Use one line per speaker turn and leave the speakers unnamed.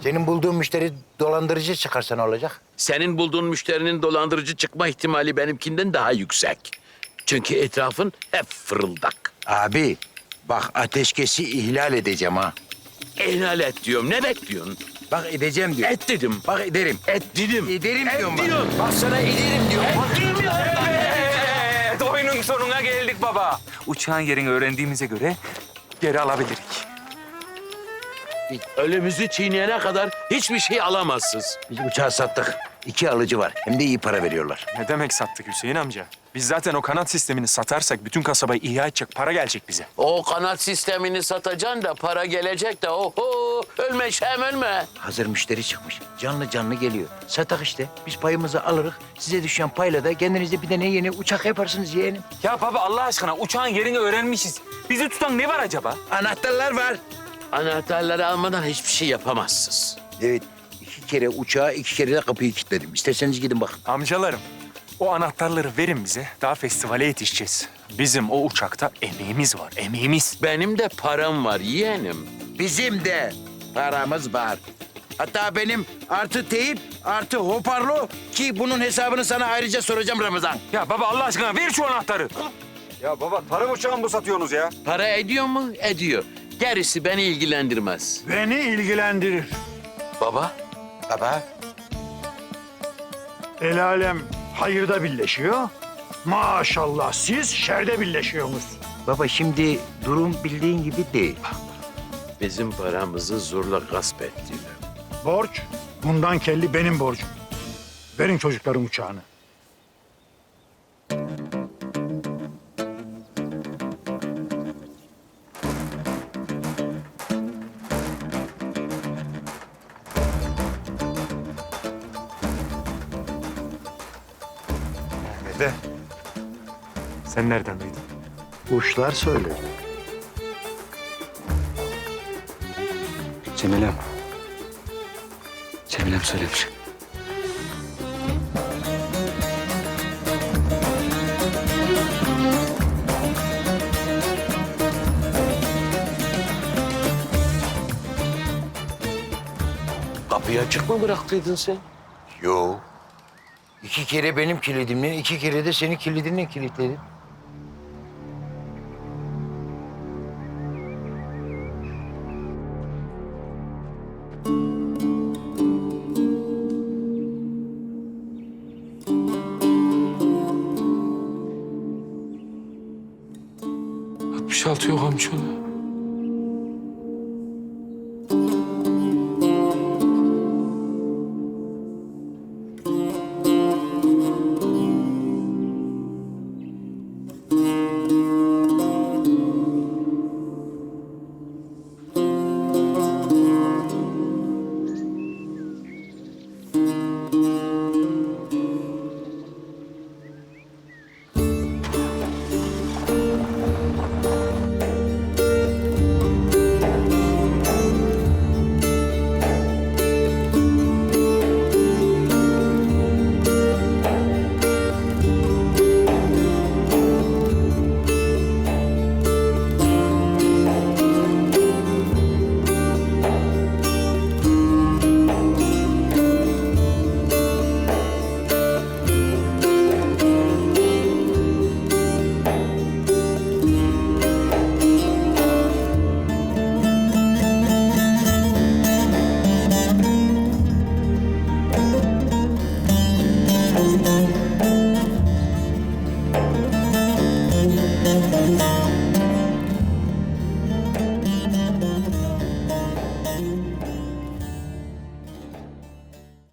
Senin bulduğun müşteri dolandırıcı çıkarsa ne olacak?
Senin bulduğun müşterinin dolandırıcı çıkma ihtimali benimkinden daha yüksek. Çünkü etrafın hep fırıldak.
Abi bak ateşkesi ihlal edeceğim ha.
İhlal et diyorum. Ne bekliyorsun?
Bak edeceğim diyor.
Et dedim.
Bak ederim.
Et dedim.
Ederim
Et
diyorum
diyorum.
bak. Bak sana ederim diyorum.
Evet, oyunun sonuna geldik baba. Uçağın yerini öğrendiğimize göre geri alabilirik.
Ölümüzü çiğneyene kadar hiçbir şey alamazsınız.
Biz uçağı sattık. 2 alıcı var. Hem de iyi para veriyorlar.
Ne demek sattık Hüseyin amca? Biz zaten o kanat sistemini satarsak bütün kasabayı ihya edecek para gelecek bize.
O kanat sistemini satacaksın da para gelecek de oho ölme Şem ölme.
Hazır müşteri çıkmış. Canlı canlı geliyor. Satak işte. Biz payımızı alırız. Size düşen payla da kendinize bir tane yeni uçak yaparsınız yeğenim.
Ya baba Allah aşkına uçağın yerini öğrenmişiz. Bizi tutan ne var acaba?
Anahtarlar var.
Anahtarları almadan hiçbir şey yapamazsınız.
Evet. 2 kere uçağı, 2 kere de kapıyı kilitledim. İsterseniz gidin bakın.
Amcalarım, o anahtarları verin bize. Daha festivale yetişeceğiz. Bizim o uçakta emeğimiz var, emeğimiz.
Benim de param var yeğenim.
Bizim de paramız var. Hatta benim artı teyip, artı hoparlo ki bunun hesabını sana ayrıca soracağım Ramazan.
Ya baba Allah aşkına ver şu anahtarı.
Ya baba tarım uçağı mı satıyorsunuz ya?
Para ediyor mu? Ediyor. Gerisi beni ilgilendirmez.
Beni ilgilendirir.
Baba,
Baba.
El alem hayırda birleşiyor. Maşallah siz şerde birleşiyorsunuz.
Baba şimdi durum bildiğin gibi değil.
bizim paramızı zorla gasp ettiler.
Borç bundan kelli benim borcum. Verin çocuklarım uçağını.
Dede, sen nereden duydun?
Kuşlar söyledi.
Cemilem. Cemilem söylemiş.
Kapıyı açık mı bıraktıydın sen?
Yo. 2 kere benim kilidimle, 2 kere de senin kilidinle kilitledim.
Yok amcaoğlu.